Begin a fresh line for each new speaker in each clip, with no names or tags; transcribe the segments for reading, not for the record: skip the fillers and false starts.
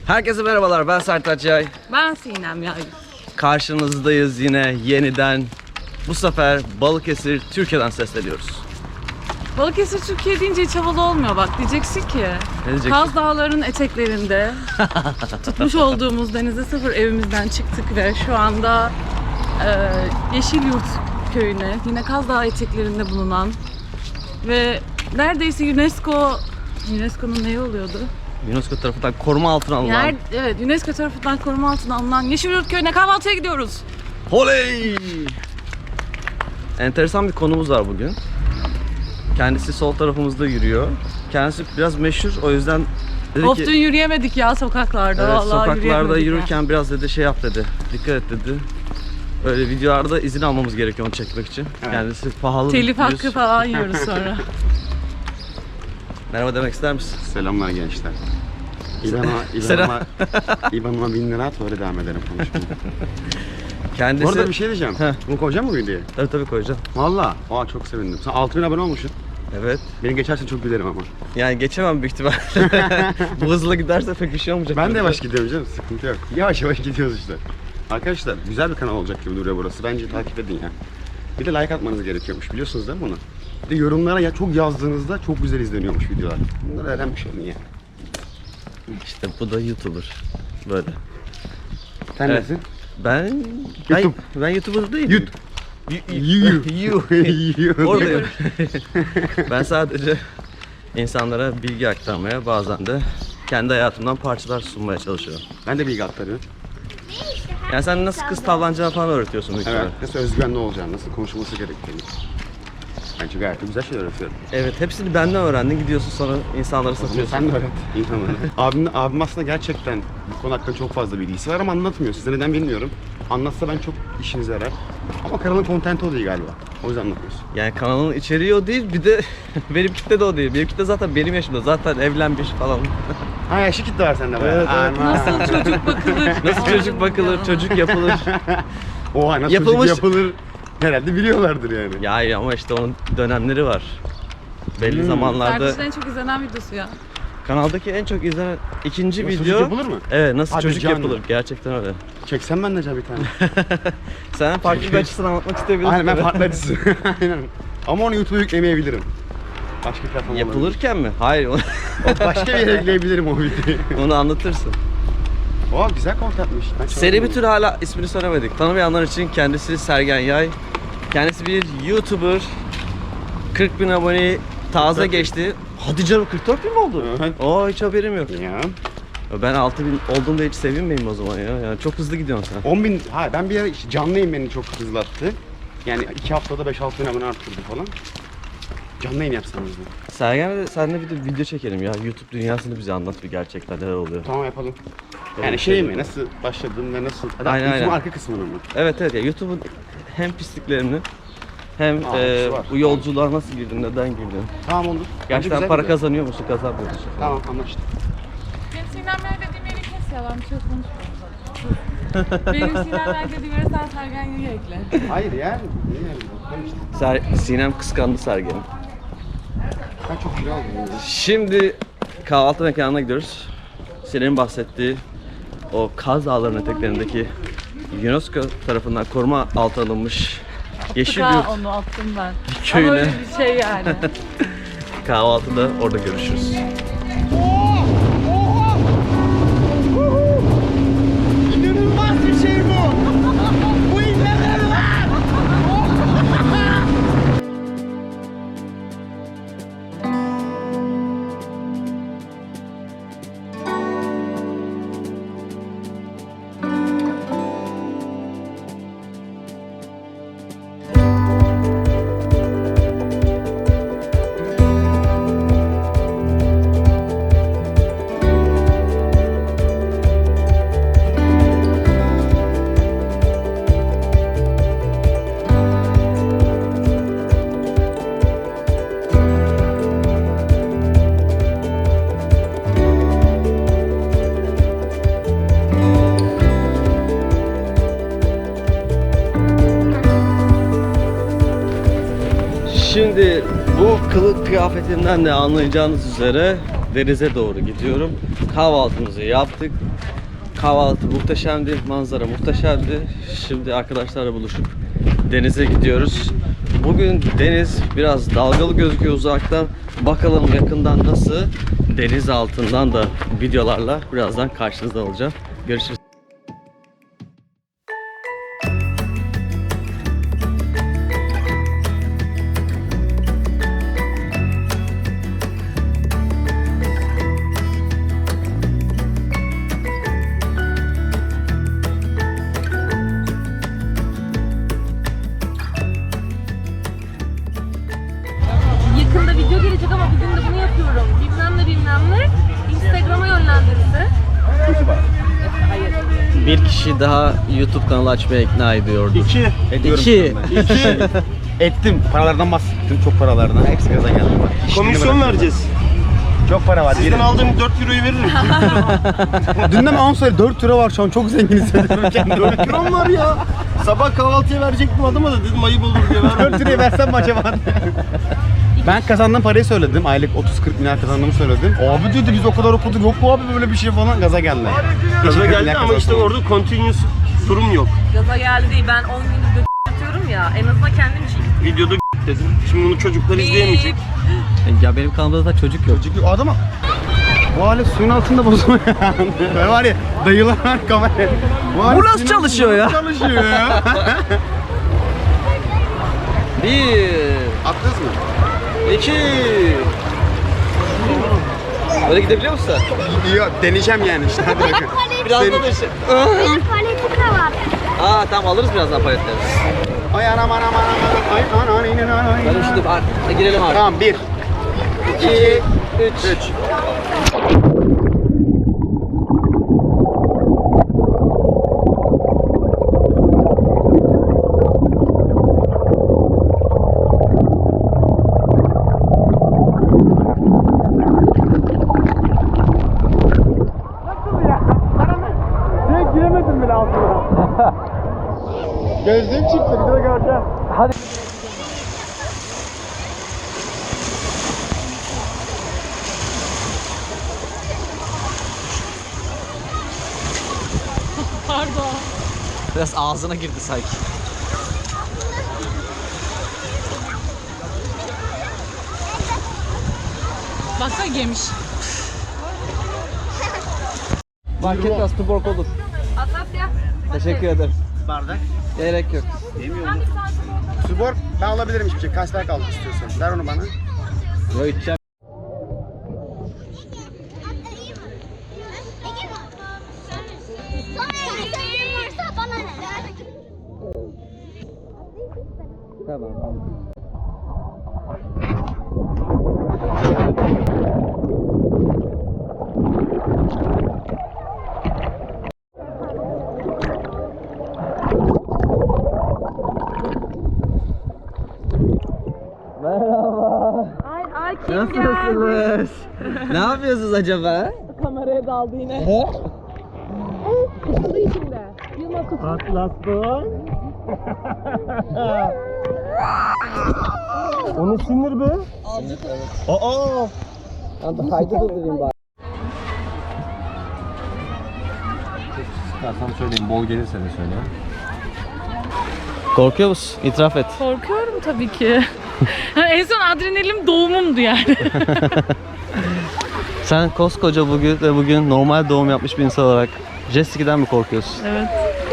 Herkese merhabalar, ben Sertaç Yay.
Ben Sinem Yay.
Karşınızdayız yine yeniden. Bu sefer Balıkesir, Türkiye'den sesleniyoruz.
Balıkesir Türkiye deyince hiç havalı olmuyor bak. Diyeceksin ki
diyeceksin?
Kaz Dağları'nın eteklerinde tutmuş olduğumuz denize sıfır evimizden çıktık ve şu anda Yeşilyurt köyüne, yine Kaz Dağı eteklerinde bulunan ve neredeyse UNESCO'nun neyi oluyordu?
UNESCO tarafından koruma altına alınan.
Evet, UNESCO tarafından koruma altına alınan Yeşilyurt köyüne kahvaltıya gidiyoruz.
Oley! Enteresan bir konumuz var bugün. Kendisi sol tarafımızda yürüyor. Kendisi biraz meşhur, o yüzden dedi
Of,
ki...
dün yürüyemedik ya sokaklarda.
Evet,
Vallahi
sokaklarda
yürüyemedik
yürürken biraz dedi şey yap dedi. Dikkat et dedi. Böyle videolarda izin almamız gerekiyor onu çekmek için.
Evet.
Kendisi pahalı
Telif
bir
hakkı falan yiyoruz sonra.
Merhaba demek ister misin?
Selamlar gençler.
Selam.
İban'ıma 1000 lira at, öyle devam ederim konuşmaya.
Kendisi...
Bu arada bir şey diyeceğim.
Heh.
Bunu koyacak mı videoya?
Tabii koyacağım.
Valla. Aa, çok sevindim. Sen 6000 abone olmuşsun.
Evet.
Beni geçersen çok gülerim ama.
Yani geçemem büyük ihtimalle. Bu hızla giderse pek bir şey olmayacak.
Ben de yavaş gidiyorum canım, sıkıntı yok. Yavaş yavaş gidiyoruz işte. Arkadaşlar güzel bir kanal olacak gibi duruyor burası. Bence takip edin ya. Bir de like atmanız gerekiyormuş, biliyorsunuz değil mi bunu? Bir de yorumlara ya çok yazdığınızda çok güzel izleniyormuş videolar. Bunları öğrenmiş olun ya.
İşte bu da YouTuber. Böyle.
Sen
Evet.
nesin?
Ben...
YouTube.
Ben YouTuber değilim.
YouTube.
Oradayım. Ben sadece insanlara bilgi aktarmaya, bazen de kendi hayatımdan parçalar sunmaya çalışıyorum.
Ben de bilgi aktarıyorum.
Yani sen nasıl kız tavlanacağını falan öğretiyorsun büyük
Evet,
ihtimalle.
nasıl özgüvenli olacağını, nasıl konuşulması gerektiğini. Bence gayet de güzel şeyler öğretiyorum.
Evet, hepsini benden öğrendin. Gidiyorsun sonra insanlara
O zaman
satıyorsun.
sen de öğret insanlara. Abim aslında gerçekten bu konu hakkında çok fazla bilgisi var ama anlatmıyor. Size neden bilmiyorum. Anlatsa ben çok işinize yarar. Ama kanalın kontenti o değil galiba. O yüzden anlatmıyorsun.
Yani kanalın içeriği o değil, bir de benim kitle de o değil. Benim kitle zaten benim yaşımda. Zaten evlenmiş falan.
Ha, yaşlı kitle var sende bayağı.
Evet, evet.
Aman.
Nasıl çocuk bakılır?
Nasıl çocuk bakılır, çocuk yapılır.
Oha, nasıl
Yapılmış-
çocuk yapılır. Herhalde biliyorlardır yani.
Ya ama işte onun dönemleri var. Belli zamanlarda
Sertaç'ın en çok izlenen videosu ya.
kanaldaki en çok izlenen ikinci
Nasıl
video.
çocuk yapılır mı?
Evet, nasıl
Hadi
çocuk
canım.
yapılır. Gerçekten öyle.
Çeksem ben de acaba bir tane.
Sen farklı bir açısını anlatmak isteyebilirsin.
Aynen, ben
tabii.
farklı açısı. Aynen. Ama onu YouTube'a yüklemeyebilirim. Başka platform olabilir.
Yapılırken mi? Hayır,
Başka bir yere ekleyebilirim o videoyu.
onu anlatırsın.
Oha, güzel kontentmiş. Ben
Seri bir tür hala ismini söylemedik. Tanımayanlar için kendisi Sergen Yay. Kendisi bir YouTuber. 40.000 aboneyi taze
44.000.
geçti. Hadi canım, 44.000 mi oldu?
Evet.
Oo, hiç haberim yok.
Ya.
Ben 6.000 olduğumda hiç sevinmeyeyim o zaman ya. Yani çok hızlı gidiyorsun sen.
10.000, ha ben bir ara işte canlı yayın beni çok hızlattı. Yani 2 haftada 5-6 bin abone arttırdı falan. Canlı yayın yapsanız da.
Sergen'le seninle bir de video çekelim ya. YouTube dünyasını bize anlat bir, gerçekten neler oluyor.
Tamam, yapalım.
Tamam,
Yani
şey
şey mi,
yapalım.
nasıl başladın ve nasıl...
Aynen,
YouTube'un
aynen.
arka kısmını mı?
Evet evet ya, YouTube'un hem pisliklerini hem
hepsi var.
bu yolculuğa nasıl girdin, neden girdin?
Tamam, olur. Bence
Gerçekten
güzel
para
video.
kazanıyor musun, kazanmıyor musun?
Tamam, anlaştık.
Benim Sinemler dediğim yeri kes ya, ben bir şey konuşmuyorum zaten. Benim Sinemler dediğim yere sen Sergen Yay'ı ekle.
Hayır ya. Niye yani?
Sinem kıskandı Sergen'i.
Ben çok kilo aldım. Ya.
Şimdi kahvaltı mekanına gidiyoruz. Sinem'in bahsettiği o Kaz Dağları'nın eteklerindeki UNESCO tarafından koruma altına alınmış Yeşilyurt
Tıka onu attım ben.
köyüne.
Ama öyle bir şey yani.
kahvaltıda orada görüşürüz.
İnanılmaz bir şey bu. Bu inanılmaz.
Şimdi bu kılık kıyafetinden de anlayacağınız üzere denize doğru gidiyorum. Kahvaltımızı yaptık. Kahvaltı muhteşemdi, manzara muhteşemdi. Şimdi arkadaşlarla buluşup denize gidiyoruz. Bugün deniz biraz dalgalı gözüküyor uzaktan. Bakalım yakından nasıl? Deniz altından da videolarla birazdan karşınızda olacağım. Görüşürüz.
Yakında video gelecek ama bugün de bunu yapıyorum. Bilmem ne. Instagram'a yönlendirildi. Hayır.
Bir kişi daha YouTube kanalı açmaya ikna ediyordu.
Ediyorum
İki.
Ettim. Paralardan bahsettim. Çok paralardan. Hepsi gaza geldi.
Komisyon vereceğiz.
Çok para var.
Sizden aldığım 4 euroyu veririm.
Dün de ben 10 söyle 4 lira var şu an. Çok zengin hissediyorum kendimi.
4 liram var ya. Sabah kahvaltıya verecektim adama da dedim ayıp olur diye vermedim.
4 lirayı versem mi acaba? Ben kazandığım parayı söyledim. Aylık 30-40 milyar kazandığımı söyledim. Abi dedi biz o kadar okuduk. Yok mu abi böyle bir şey falan. Gaza geldi.
Gaza
40
geldi
milyar
ama işte
kazansam.
orada continuous durum yok.
Gaza geldi değil. Ben 10 gündür yatıyorum ya. En azından kendim için.
Videoda dedim. Şimdi bunu çocuklar izleyemeyecek.
Ya benim kanalımda da çocuk yok.
Çocuk adama. Bu alet suyun altında bozuluyor. Böyle var ya dayılar var kamera.
Bu nasıl çalışıyor ya?
Çalışıyor ya.
Bir,
Attınız mı?
iki. Böyle gidebiliyor musun sen?
Yok deneyeceğim yani işte hadi bakın.
Biraz
Senin-
da dışı.
Benim paletim de var.
Aa tamam alırız birazdan paletleri.
Ay anam anam anam anam ay anam anam anam.
Hadi şimdi girelim abi.
Tamam 1 2 3 giremedim bile altına. Gözlüğüm çıktı bir de göreceğim.
Pardon.
Biraz ağzına girdi sanki.
Baksana gemiş.
Fark etmez tuborg olur.
Asafya.
Teşekkür ederim.
Bardak.
Gerek yok.
Subor ben alabilirim hiçbir şey. Kaç kaldı istiyorsan. Ver onu bana.
Yo içeceğim.
Varsa bana ne?
Tamam. Merhaba.
Ay kim geldi?
Nasılsınız? Ne yapıyorsunuz acaba?
Kameraya daldı yine.
He?
Kutu içinde. Yılmaz kutu.
O ne sinir be? Aa!
Ben kaydı durdurayım bari.
Ya sana söyleyeyim bol gelirse de söyle.
Korkuyor musun? İtiraf et.
Korkuyorum tabii ki. En son adrenalin doğumumdu yani.
Sen koskoca bugün normal doğum yapmış bir insan olarak jet ski'den mi korkuyorsun?
Evet.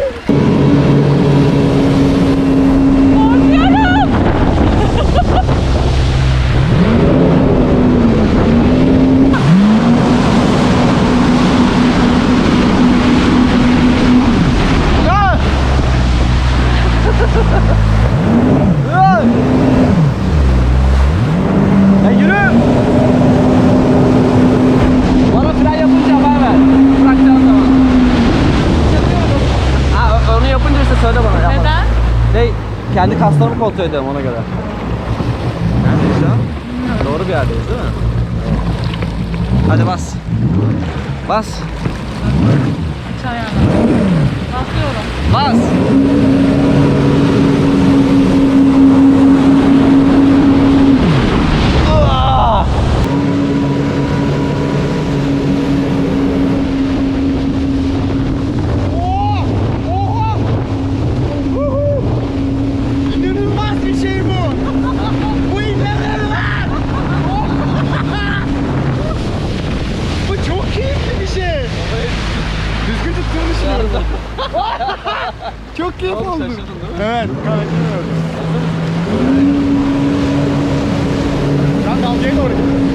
Ya yürü! Bana fren yapınca haber ver. Bırakacağın zaman. Ha, onu yapınca işte söyle bana. Yapma.
Neden?
Kendi kaslarımı kontrol ediyorum ona göre. Neredeyiz şu an? Doğru bir yerdeyiz değil mi? Hadi bas. Bas.
Çayana. Basıyorum.
Bas.
Çok keyif
Oğlum
oldu.
şaşırdın değil mi?
Evet, gayet iyi oldu. Şu an dalgaya doğru gidiyoruz.